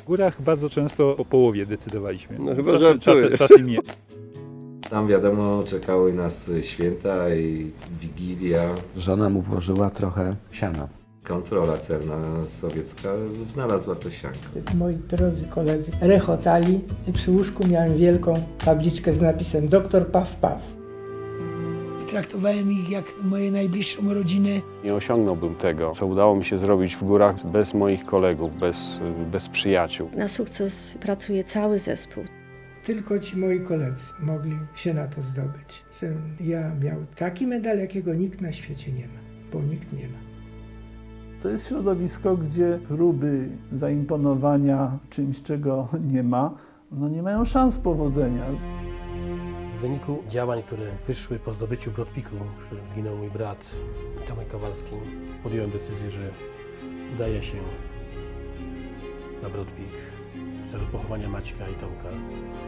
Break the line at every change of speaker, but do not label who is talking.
W górach bardzo często po połowie decydowaliśmy.
No chyba żartuję.
Czasem nie.
Tam wiadomo, czekały nas święta i Wigilia.
Żona mu włożyła trochę siana.
Kontrola celna sowiecka znalazła to sianko.
Moi drodzy koledzy rechotali. Przy łóżku miałem wielką tabliczkę z napisem Doktor Paw Paw.
Traktowałem ich jak moje najbliższą rodzinę.
Nie osiągnąłbym tego, co udało mi się zrobić w górach bez moich kolegów, bez przyjaciół.
Na sukces pracuje cały zespół.
Tylko ci moi koledzy mogli się na to zdobyć. Że ja miał taki medal, jakiego nikt na świecie nie ma, bo nikt nie ma.
To jest środowisko, gdzie próby zaimponowania czymś, czego nie ma, no nie mają szans powodzenia.
W wyniku działań, które wyszły po zdobyciu Brodpiku, w którym zginął mój brat Tomek Kowalski, podjąłem decyzję, że udaję się na Brodpik w celu pochowania Maćka i Tomka.